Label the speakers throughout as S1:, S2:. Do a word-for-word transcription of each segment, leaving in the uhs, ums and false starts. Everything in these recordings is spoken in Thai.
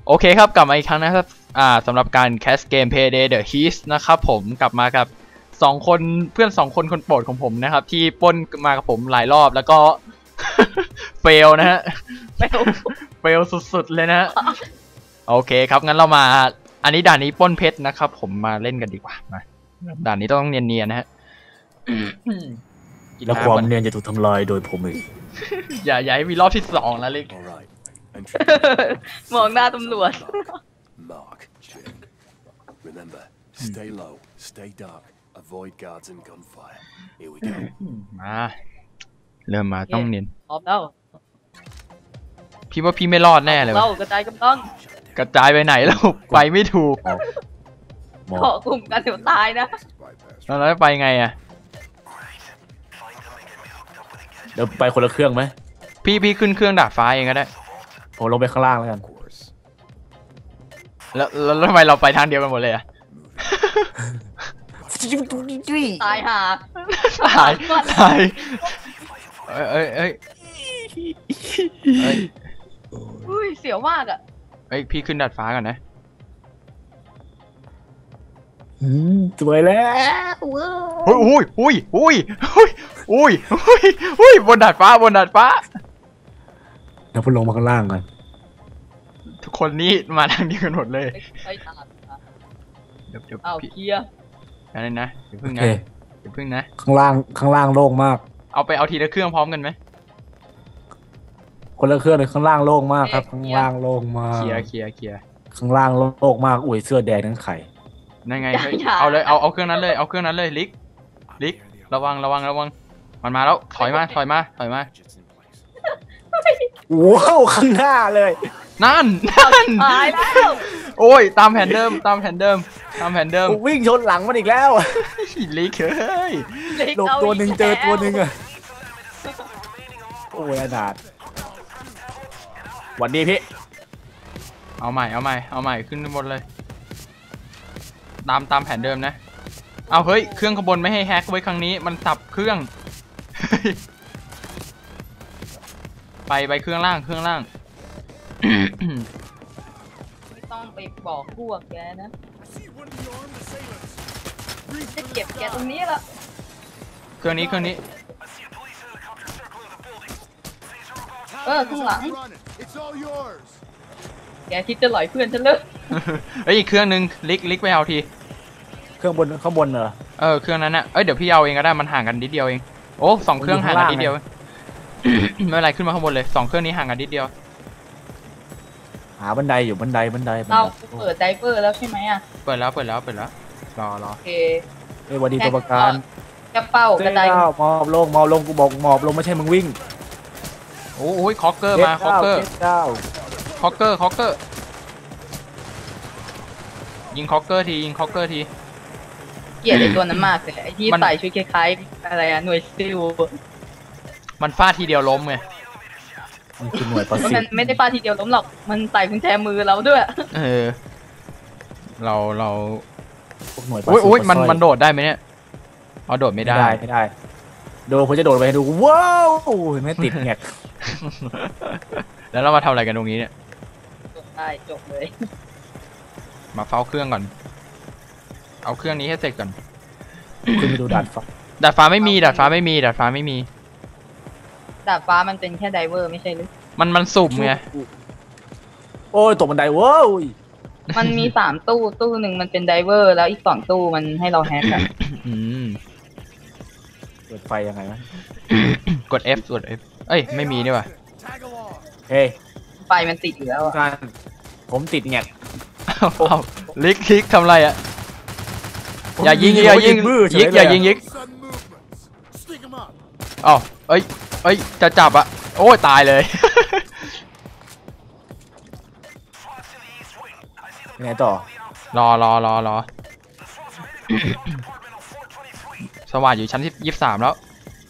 S1: โอเคครับกลับมาอีกครั้งนะครับอ่าสำหรับการแคสเกม Payday The Heist นะครับผมกลับมากับสองคนเพื่อนสองคนคนโปรดของผมนะครับที่ปล้นมากับผมหลายรอบแล้วก็ เฟลนะฮะเฟลเฟลสุดๆเลยนะฮะโอเคครับงั้นเรามาอันนี้ด่านนี้ปล้นเพชรนะครับผมมาเล่นกันดีกว่ามาด่านนี้ต้องเนียนๆนะฮะ
S2: แล้วความเนียนจะถูกทำลายโดยผมเอง
S1: อย่าอย่าให้มีรอบที่สองแล้วเลย
S3: มองหน้าตำรวจ
S4: Remember, stay low, stay dark, avoid guards and gunfire. Here we go.
S1: มาเริ่มมาต้องเนียน
S3: พร้อมแล้ว
S1: พี่ว่าพี่ไม่รอดแน่เลย
S3: เรากระจายกำลัง
S1: กระจายไปไหนแล้วไปไม่ถูก
S3: เกาะกลุ่มกันเดี๋ยวตายนะ
S1: แล้วไปไงอ่ะ
S2: เดี๋ยวไปคนละเครื่องไหม
S1: พี่พี่ขึ้นเครื่องดาดฟ้าเองก็ได้
S2: ผมลงไปข้างล่างแล้วกัน
S1: แล้วแล้วทำไมเราไปทางเดียวกันหมดเลยอ่ะ
S3: ตายห่า
S1: ตายตายเอ้ยเอ้ยเอ้ย
S3: อุ้ยเสียวมากอ่ะ
S1: เอ้ยพี่ขึ้นดาดฟ้าก่อนนะ
S2: สวยแล้ว
S1: อุ้ยอุ้ยอุ้ยอุ้ยอุ้ยอุ้ยอุ้ยบนดาดฟ้าบนดาดฟ้า
S2: แล้วพอลงมาข้างล่างกัน
S1: ทุกคนนี้มาทางเดียวกันหมดเลย
S3: ไปตาม
S1: เดี๋ยวเดี๋ยว
S3: เอาเคลียร์
S1: อะไรนะเดี๋ยวพึ่งนะเดี๋ยวพึ่งนะ
S2: ข้างล่างข้างล่างโล่งมาก
S1: เอาไปเอาทีละเครื่องพร้อมกันไหม
S2: คนละเครื่องเลยข้างล่างโล่งมากครับข้างล่างโล่งมาก
S1: เคลียร์เคลียร์เคลียร์
S2: ข้างล่างโล่งมากอุ้ยเสื้อแดงทั้งไข่
S1: นั่นไงเอาเลยเอาเอาเครื่องนั้นเลยเอาเครื่องนั้นเลยลิกลิกระวังระวังระวังมันมาแล้วถอยมาถอยมาถอยมา
S2: ว้าวข้างหน้าเลย
S1: นั่นนั่น
S3: ตายแล้ว
S1: โอ้ยตามแผนเดิมตามแผนเดิมตามแผนเดิม
S2: วิ่งชนหลังมันอีกแล้ว
S1: ลิกเฮ้ย
S2: หลบตัวหนึ่งเจอตัวหนึ่งอะโอ้ยอนาถวันนี้พี่
S1: เอาใหม่เอาใหม่เอาใหม่ขึ้นบนเลยตามตามแผนเดิมนะเอาเฮ้ยเครื่องขบวนไม่ให้แฮกไว้ครั้งนี้มันสับเครื่องไปไปเครื่องล่างเครื่องล่าง
S3: ไม่ต้องไปบอกพวกแกนะจะเก็บแกตรงนี้ละ
S1: เครื่องนี้เครื่องนี้
S3: เออข้างหลังแกคิดจะหลอยเพื่อนฉันเลย
S1: เอ้ยอีกเครื่องนึงลิกลิกไปเอาที
S2: เครื่องบนข้างบนเหรอ
S1: เออเครื่องนั้นน่ะเอ้ยเดี๋ยวพี่เอาเองก็ได้มันห่างกันนิดเดียวเองโอ้สองเครื่องห่างกันนิดเดียวไม่เป็นไรขึ้นมาข้างบนเลยสองเครื่องนี้ห่างกันนิดเดียว
S2: หาบันไดอยู่บันไดบันได
S3: เราเปิดไดเวอร์แล้วใช่ไหมอ่ะ
S1: เปิดแล้วเปิดแล้วเปิดแล้วรอรอ
S3: โอเค
S2: เฮ้ยวันดีตัวประกัน
S3: กระเป๋ากระได
S2: มอบลงมอบลงกูบอกมอบลงไม่ใช่มึงวิ่ง
S1: โอ้ยคอกเกอร์มาคอกเกอร์คอกเกอร์คอกเกอร์ยิงคอกเกอร์ทียิงคอกเกอร์ที
S3: เกลียดไอ้ตัวนั้นมากเลยไอ้ที่ใส่ชุดคล้ายๆอะไรอะหน่วยซิล
S1: มันฟาดทีเดียวล้มไง
S2: มันคือหน่วยประสิทธิ์
S3: มันไม่ได้ฟาดทีเดียวล้มหรอกมันใส่กุญแจมือเราด้วย
S1: เออเราเราหน่วยประสิทธิ์โอ้ยมันมันโดดได้ไหมเนี่ยเอาโดดไม่ได้
S2: ไม่ได้โดดผมจะโดดไปดูว้าวไม่ติดแงก
S1: แล้วเรามาทำอะไรกันตรงนี้เนี่ย
S3: จบได้จบเลย
S1: มาเฝ้าเครื่องก่อนเอาเครื่องนี้ให้เสร็จก่อน
S2: ขึ้นไปดูดาดฟ้า
S1: ดาดฟ้าไม่มีดาดฟ้าไม่มีดาดฟ้าไม่มี
S3: ดาดฟ้ามันเป็นแค่ไดเวอร์ไม่ใช่หรือ
S1: มันมันสุ่มไง
S2: โอ้ยตกบันไดว้าว
S3: มันมีสามตู้ตู้หนึ่งมันเป็นไดเวอร์แล้วอีกสองตู้มันให้เราแฮกอะ
S2: เปิดไฟยังไงวะ
S1: กด F กด F เอ้ยไม่มีนี่ว่ะ
S2: เฮ้ย
S3: ไฟมันติดอยู่แล้วอะ
S2: ผมติดแงก
S1: ลิกลิกทำไรอ่ะอย่ายิงอย่ายิงยิกอย่ายิงยิกอ๋อเอ้ยเอ้ยจะจับอ่ะโอ้ยตายเลย
S2: ไงต่อ
S1: รอรอรอรอสว่างอยู่ชั้นที่ยี่สิบสามแล้ว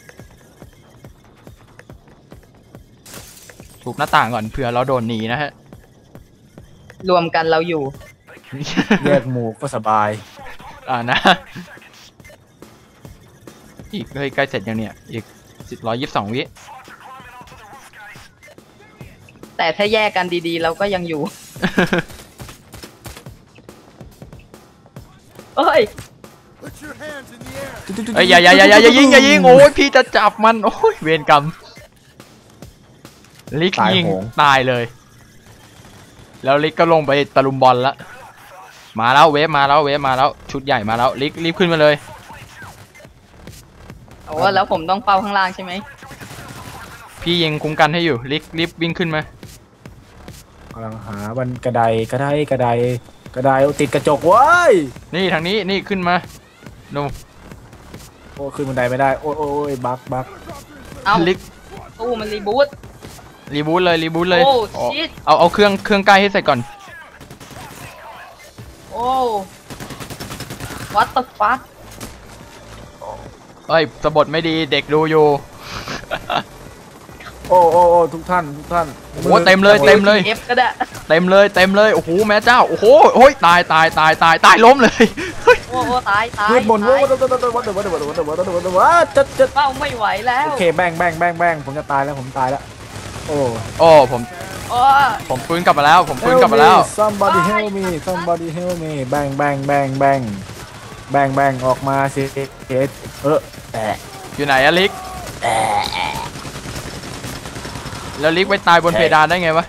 S1: ทุบหน้าต่างก่อนเผื่อเราโดนหนีนะฮะ
S3: รวมกันเราอยู่
S2: แยกหมู่ก็สบาย
S1: อ่านะอีกเฮ้ยใกล้เสร็จยังเนี่ยอีกสิบร้อยยี่สิบสองวิ
S3: แต่ถ้าแยกกันดีๆเราก็ยังอยู่เอ้ย
S4: Put your hands in the air.
S1: เอ้ยอย่าอย่าอย่าอย่าอย่ายิงอย่ายิงโอ้ยพี่จะจับมันโอ้ยเวรกรรมลิกยิงตายเลยแล้วลิกก็ลงไปตะลุมบอลละมาแล้วเวฟมาแล้วเวฟมาแล้วชุดใหญ่มาแล้วลิกรีบขึ้นมาเลย
S3: โอ้แล้วผมต้องเฝ้าข้างล่างใช่ไหม
S1: พี่ยิงคุ้มกันให้อยู่ลิกรีบวิ่งขึ้นมาก
S2: ำลังหาบันกระไดกระไดกระไดกระไดติดกระจกเว้ย
S1: นี่ทางนี้นี่ขึ้นมาดู
S2: โอ้ขึ้นบันไดไม่ได้โอ้ยโอ้ยบักบัก
S3: เอ้า
S1: ลิก
S3: ตู้มันรีบูต
S1: รีบูทเลยรีบูทเลย
S3: โอ้
S1: อ๋อ
S3: ชิต
S1: เอาเอาเครื่องเครื่องใกล้ให้ใส่ก่อน
S3: โอ้ what the fuck
S1: เอ้ยสะบดไม่ดีเด็กดูอยู่
S2: โอ้โอ้โอ้ทุกท่านทุกท่าน
S1: โอ้เต็มเลยเต็มเลย
S3: F ก็ได้
S1: เต็มเลยเต็มเลยโอ้โหแม่เจ้าโอ้โหโอ้ยตายตายตายตายตายล้มเลย
S3: โอ้โหตายตาย
S2: เพื่อนบน
S3: ตา
S2: ว่าย วัดวัดวัดวัดวัดวัดวัดวัดวัดวัดวัดจัดจัด
S3: เป้าไม่ไหวแล้ว
S2: โอเคแบงแบงแบงแบงผมจะตายแล้วผมตายแล้วโอ้
S1: โอ้ผม
S3: โอ้
S1: ผมฟื้นกลับมาแล้วผมฟื้นกลับมาแล้ว
S2: somebody help me somebody help me แบงแบงแบงแบงแบงแบงออกมาสิเอเออแอะ
S1: อยู่ไหนอะลิกแล้วลิกไปตายบนเพดานได้ไงวะ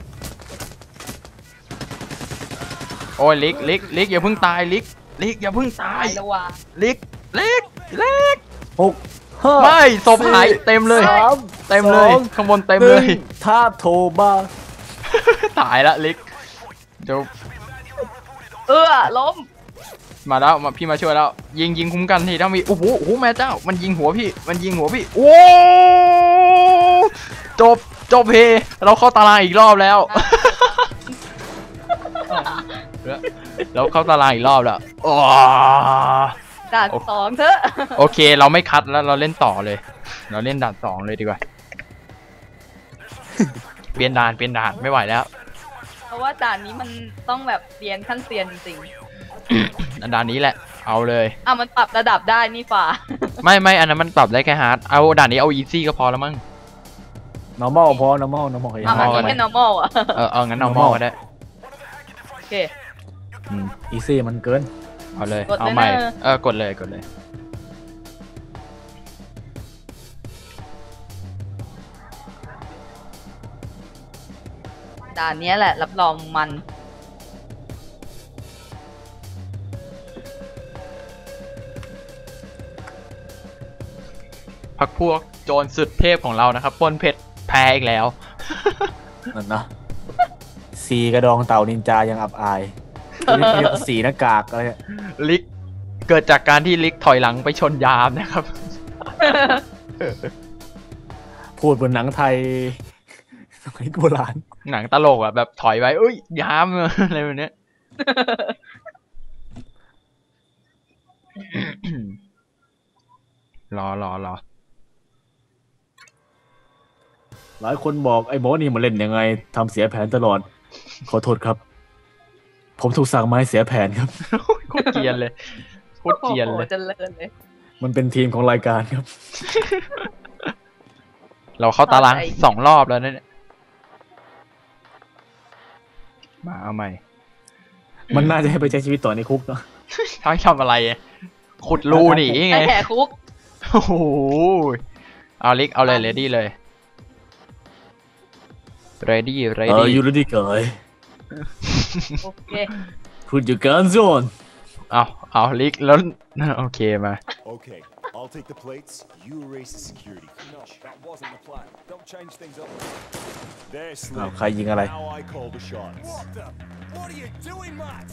S1: โอ้ยลิกลิกลิกอย่าเพิ่งตายลิกลิกอย่าเพิ่งตา
S3: ตาย ยแล้วว่ะ
S1: ลิกลิกลิก
S2: หกห้า
S1: ไม่ศพหายเต็มเลย
S2: สาม
S1: เต็มเลย
S2: สอง
S1: ข้างบนเต็มเลย
S2: หนึ่งถ้าโทรมา
S1: ตายละลิกเดี๋ยว
S3: เออล้ม
S1: มาแล้วมาพี่มาช่วยแล้วยิงยิงคุ้มกันทีถ้ามีโอ้โหโอ้โหแม่เจ้ามันยิงหัวพี่มันยิงหัวพี่โอ้จบจบเพเราเข้าตารางอีกรอบแล้ว เราเข้าตารางอีกรอบแล้วอ๋อ
S3: ด่านสองเถอะ
S1: โอเคเราไม่คัดแล้วเราเล่นต่อเลย เราเล่นด่านสองเลยดีกว่า เปลี่ยนด่านเปลี่ยนด่านไม่ไหวแล้ว
S3: เพราะว่าด่านนี้มันต้องแบบเรียนขั้นเซียนจริง
S1: ด่านนี้แหละเอาเลย
S3: ๆอ่ะมันปรับระดับได้นี่ฝ่า
S1: ไม่ไม่อันนั้นมันปรับได้แค่ฮาร์ดเอาด่านนี้เอาอีซี่ก็พอแล้วมั้ง
S2: normal พอ normal normal
S3: อ่ะมันนี้แค่ normal อ่ะ
S1: เออเอางั้นเอาหม้อก็ได้
S3: โอเค
S1: อืม
S2: easy มันเกิน
S1: เอาเลย
S3: กดเลย
S1: เอาใหม่
S3: นะ
S1: เออกดเลยกดเลย
S3: ด่านนี้แหละรับรองมัน
S1: พักพวกโจรสุดเทพของเรานะครับปล้นเพชรแพ้อีกแล้ว
S2: นั่นนะสีกระดองเต่านินจายังอับอายสีหน้ากากอะไร
S1: ลิกเกิดจากการที่ลิกถอยหลังไปชนยามนะครับ
S2: พูดบนหนังไทยสมัยโบราณ
S1: หนังตลกอ่ะแบบถอยไปเอ้ยยาม อะไรแบบเนี้ย รอรอรอ
S2: หลายคนบอกไอ้หมอนี่มาเล่นยังไงทำเสียแผนตลอดขอโทษครับ ผมถูกสั่งมาให้เสียแผนครับ
S1: โคตรเกรียนเลยโคตร
S3: โอ้
S1: เกรียน
S3: โห
S1: เลย
S3: เจริญเลย
S2: มันเป็นทีมของรายการครับ
S1: เราเข้าตาราง
S3: เข้าใจ
S1: สองรอบแล้วเนี่ยมาเอาใหม่
S2: มันน่าจะให้ไปใช้ชีวิตต่อในคุกเนาะ
S1: ทั้งทำอะไรอะขุดรูหนีไง
S3: ไอ้แหกคุก
S1: โอ้โหเอาลิกเอาเลยเรดี้เลย ready
S2: เอ
S1: ready
S2: อ you ready guy
S3: โอเค
S2: put your guns on
S1: เอาเอาลิกแล้ว โอเคมา
S4: Okay, I'll take the plates. You erase the security. No, that wasn't the plan. Don't change things up. There,
S2: อ้าว
S4: Slim.
S2: ใครยิงอะไร
S4: Now I call the shots. What the? What are you doing, Matt?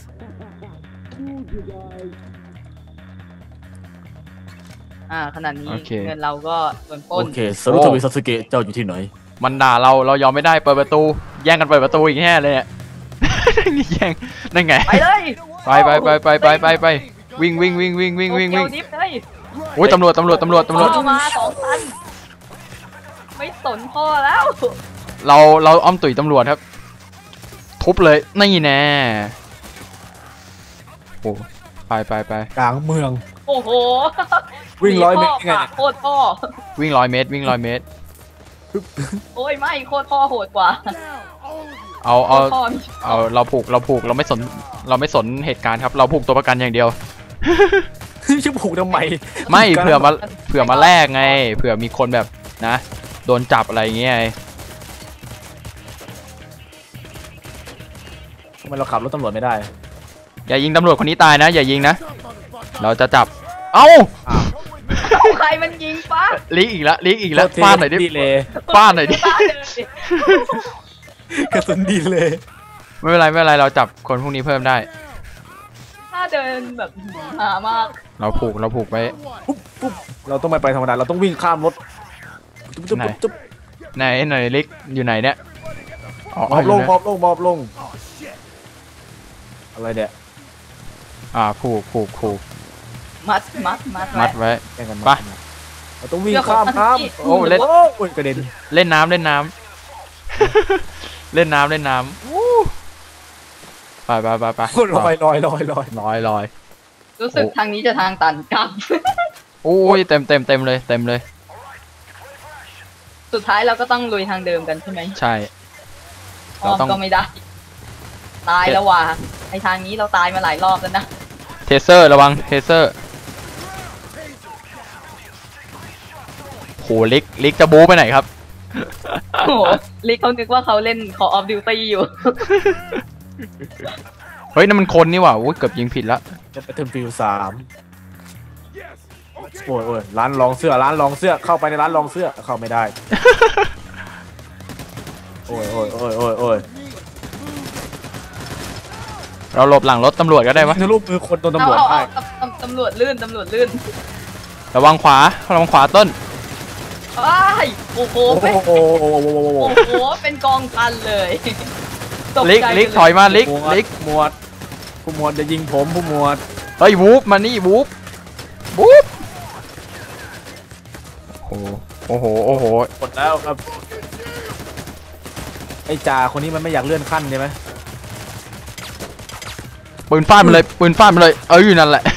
S3: อ่าขนาดนี้
S1: โอเค
S3: เงินเราก็โดนปล้
S2: โอน เคสรุปทวีซัสเกะเจ้าอยู่ที่ไหน
S1: มันด่าเราเรายอมไม่ได้เปิดประตูแย่งกันเปิดประตูอีกแน่เลยเนี่ย นี่แย่งนั่นไง
S3: ไปเลย
S1: ไปไปไปไปไปไปไปวิ่งวิ่งวิ่งวิ่งวิ่งวิ่งวิ่ง
S3: โตเกียวดิฟเลย
S1: โอ้ยตำรวจตำรวจตำรวจตำรวจ
S3: เอามาสองพันไม่สนพ่อแล้ว
S1: เราเราอ้อมตุ๋ยตำรวจครับ ทุบเลยนี่แน่โอ้ไปไปไป
S2: กลางเมือง
S3: โอ้โห
S2: วิ่งร้อยเมตร
S3: พ่
S2: ไง
S3: ปากโคตรพ่อ
S1: วิ่งร้อยเมตรวิ่งร้อยเมตร
S3: โอ้ยไม่โคตรพ่อโหดกว่า
S1: เอาเอา
S3: พ่อมี
S1: เอาเราผูกเราผูกเราไม่สนเราไม่สนเหตุการณ์ครับเราผูกตัวประกันอย่างเดียว
S2: จะผูกทำไม
S1: ไม่เผื่อมาเผื่อมาแลกไงเผื่อมีคนแบบนะโดนจับอะไรอย่างเงี้ย
S2: ทำไมเราขับรถตำรวจไม่ได้
S1: อย่ายิงตำรวจคนนี้ตายนะอย่ายิงนะเราจะจับเอ้า
S3: ใครมันยิงปะ
S1: ลิกอีกแล้วลิกอีกแล้ว
S2: โทษที
S1: ฟาดหน่อยดิ
S2: ดีเลย
S1: ฟาดหน่อยดิ
S3: บ้าเลย
S2: กระสุนดีเลย
S1: ไม่เป็นไรไม่เป็นไรเราจับคนพวกนี้เพิ่มได้
S3: ถ้าเดินแบบหามาก
S1: เราผูกเราผูกไว้
S2: ปุ๊บปุ๊บเราต้องไม่ไปธรรมดาเราต้องวิ่งข้ามรถจุ๊บจุ๊บ
S1: ไหน
S2: จุ๊บ
S1: ไหนไหนลิกอยู่ไหนเนี่ยอ๋อ
S2: มอบลง
S1: ยู่
S2: ม
S1: นะ
S2: อบลงมอบลงอะไรเนี่ย
S1: อ่าผูกผูกผูก
S3: มัดมัดมัด
S1: มัดไว้
S2: แข่งกัน
S1: ไป
S2: เราต้องวิ่งข้ามน้ำ
S1: โอ้เล่น
S2: โอ้ยกระเด็น
S1: เล่นน้ำเล่นน้ำ เล่นน้ำเล่นน้ำวู้ไปไปไปไป
S2: ลอยลอยลอยลอย
S1: ลอยลอย
S3: รู้สึกทางนี้จะทางตันกลับ
S1: โอ้ยเต็มเต็มเต็มเลยเต็มเลย
S3: สุดท้ายเราก็ต้องลุยทางเดิมกันใช่ไหม
S1: ใช่
S3: อ้อม
S1: เราต้อง
S3: ก็ไม่ได้ ตายแล้วว่ะไอทางนี้เราตายมาหลายรอบแล้วนะ
S1: เทเซอร์ระวังเทเซอร์โหลิกลิกจะบู๊ไปไหนครับ
S3: โอ้โหลิกเขานึกว่าเขาเล่น Call of Duty อยู่
S1: เฮ้ยนั่นมันคนนี่หว่าโอ้ยเกือบยิงผิดละ
S2: จะไปเทิร์นฟิลสามโอ้ยโอ้ยร้านลองเสื้อร้านลองเสื้อเข้าไปในร้านลองเสื้อเข้าไม่ได้ โอ้ยโอ้ยโอ้ยโอ้ยโอ้ย
S1: เราหลบหลังรถตำรวจก็ได้วะ
S2: ทะลุมือคนโดน
S3: เอา
S2: ตำรวจ
S3: เอา
S2: ให้
S3: เอาตำตำรวจลื่นตำรวจลื่น
S1: ระวังขวาระวังขวาต้น
S3: อ้ายโอ้โห
S2: โอ้
S3: เป็น
S2: โหโอ้โหโอ้โหโอ้โห
S3: โอ้โหเป็นกองพันเลยต
S1: ลิก
S3: ใจ
S1: ลิก
S3: ไป
S1: ถอยมาลิก
S2: หมวด
S1: ลิก
S2: หมวดผู้หมวดจะยิงผมผู้หมวด
S1: เฮ้ยวูฟมานี่วูฟวูฟโอ้โหโอ้โหโอ้โห
S2: กดแล้วครับไอ้จ่าคนนี้มันไม่อยากเลื่อนขั้นใช่ไหม
S1: ปืนฟาดมันเลยปืนฟาดมันเลยเอออยู่นั่นแหละ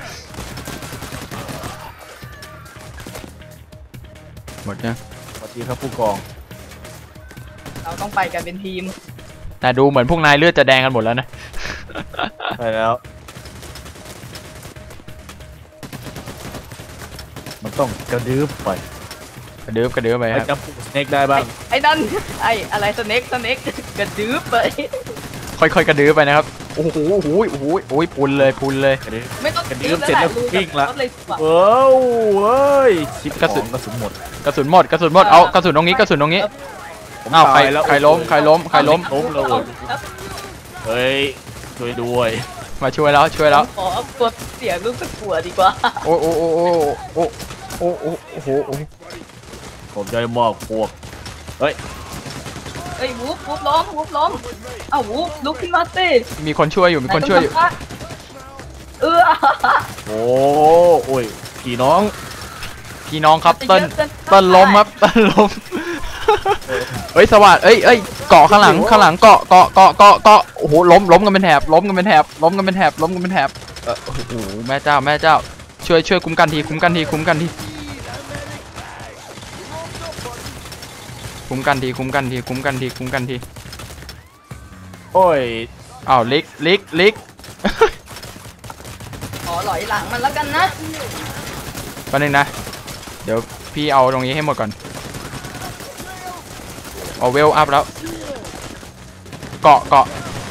S1: หมดยัง
S2: สวัสดีครับผู้กอง
S3: เราต้องไปกันเป็นทีม
S1: แต่ดูเหมือนพวกนายเลือดจะแดงกันหมดแล้วนะ
S2: ไปแล้วมันต้องกระดื้อไป
S1: กระดืบกระดืบไป
S2: ไป
S1: ครับ
S2: จับสเน็กได้บ้าง
S3: ไอ้นั่นไอ้อะไรสเน็กสเน็กกระดื้อไป
S1: ค่อยๆกระดืบไปนะครับโอ้โหโอ้โหโอ้โหโอ้ยปุนเลยปุนเลย
S2: กระดื้อ
S3: ไม่ต้อง
S2: กระดื้อเสร็จแล้ววิ่งละ
S3: รถเลยว่ะ
S2: เอ้าเอ้ยชิป
S1: กระสุน
S2: ของกระสุนหมด
S1: กระสุนหมดกระสุนหมดเอากระสุนตรงนี้กระสุนตรงนี้
S2: ผม
S1: อ้าวใคร
S2: ตายแล้ว
S1: ใครล้มใครล้มใครล้ม
S2: ล้มเลยเฮ้ยช่วยด้วย
S1: มาช่วยแล้วช่วยแล้ว
S3: ขอตัวเสียรู้สึกปวดดีกว่า
S1: โอ้โอ้โอ้โอ้โอ้โอ้โอ้โอ้โหโอ้
S2: ผมจะมอบพวกเฮ้ย
S3: เอ้ยวูบวูบล้มวูบล้มเอ้าวูบลุกขึ้นมาสิ
S1: มีคนช่วยอยู่มีคนช่วยอยู่
S3: เออ
S2: โอ้โอ้ยพี่น้อง
S1: พี่น้องครับเติ้ลเติ้ลล้มครับเติ้ลล้มเฮ้ยสวัสดเอ้ยเอ้ยเกาะข้างหลังข้างหลังเกาะเกาะเกาะเกาะเกาะโอ้โหล้มล้มกันเป็นแถบล้มกันเป็นแถบล้มกันเป็นแถบล้มกันเป็นแถบเออโอ้โหแม่เจ้าแม่เจ้าช่วยช่วยคุ้มกันทีคุ้มกันทีคุ้มกันทีคุ้มกันทีคุ้มกันทีคุ้มกันทีคุ้มกันที
S2: โอ้ย
S1: อ้าวลิกลิกลิก
S3: ขอหลอยหลังมันแล้วกันนะ
S1: แป๊บนึงนะเดี๋ยวพี่เอาตรงนี้ให้หมดก่อนเอาเวลอัพแล้วเกาะเกาะ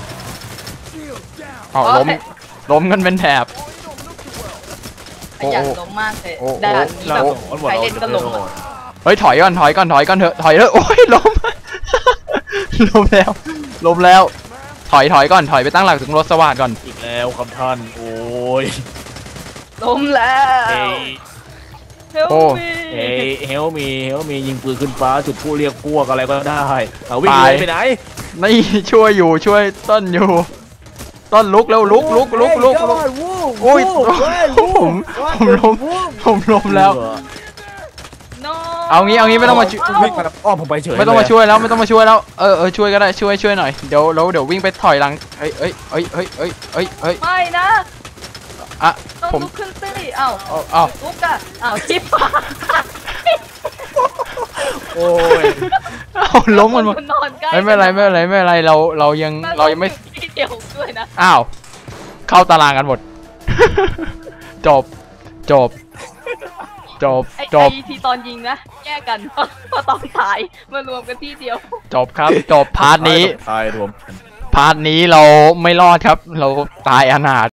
S1: เอาล้มล้มกันเป็นแถบ โอ้
S3: อยาก
S1: โอ้
S3: ล้มมากเลย
S1: โอ้โอ้
S3: ด่านนี้แบบ
S2: โอ้โห
S3: ใครเล่นก็ล้มอะ
S1: เฮ้ยถอยก่อนถอยก่อนถอยก่อนเถอะถอยเถอะโอ้ยล้ม ล้มแล้วล้มแล้วถอยถอยก่อนถอยไปตั้งหลักถึงรถสวัสดก่อน
S2: อีกแล้วครับท่านโอ้ย
S3: ล้มแล้
S2: เฮ้
S3: วย เฮล
S1: โอ้
S3: มี
S2: เฮ้ยเฮลมีเฮลมียิงปืนขึ้นฟ้าจุดผู้เรียกพวกอะไรก็ได้เอาวิ่งเลยไปไหน
S1: นี่ช่วยอยู่ช่วยต้นอยู่ต้นลุกแล้วลุกลุกลุกลุกลุก โอ้ยผมผมล้มผมล้มแล้ว
S3: โน
S1: เอางี้เอางี้ไม่ต้องมาช่วย
S2: วิ่งมาอ้อมผมไปเฉย
S1: ไม่ต้องมาช่วยแล้วไม่ต้องมาช่วยแล้วเออเออช่วยก็ได้ช่วยช่วยหน่อยเดี๋ยวเราเดี๋ยววิ่งไปถอยหลังเอ้ยเอ้ยเอ้ยเอ้ยเอ้ยเอ้ยเอ้ย
S3: ไม่นะ
S1: อ่ะ
S3: ต้อง
S1: ผม
S3: ลุกขึ้นสิเอ้า
S1: เอาเอา
S3: ลุกอะเอ้าชิป
S2: โอ้ย
S1: เอาล้มกันหมด
S3: นอนใกล้
S1: ไม่เป็นไรไม่เป็นไรไม่เป็นไรเราเรายังเรายังไม่
S3: ที่เดียวด้วยนะ
S1: อ้าวเข้าตารางกันหมด จบจบจบ
S3: ไอ้
S1: จบ
S3: ไอทีตอนยิงนะแยกกัน พอตอนถ่ายมารวมกันที่เดียว
S1: จบครับจบพาร์ทนี้
S2: ตายรวมกัน
S1: พาร์ทนี้เราไม่รอดครับ เราตายอนาถ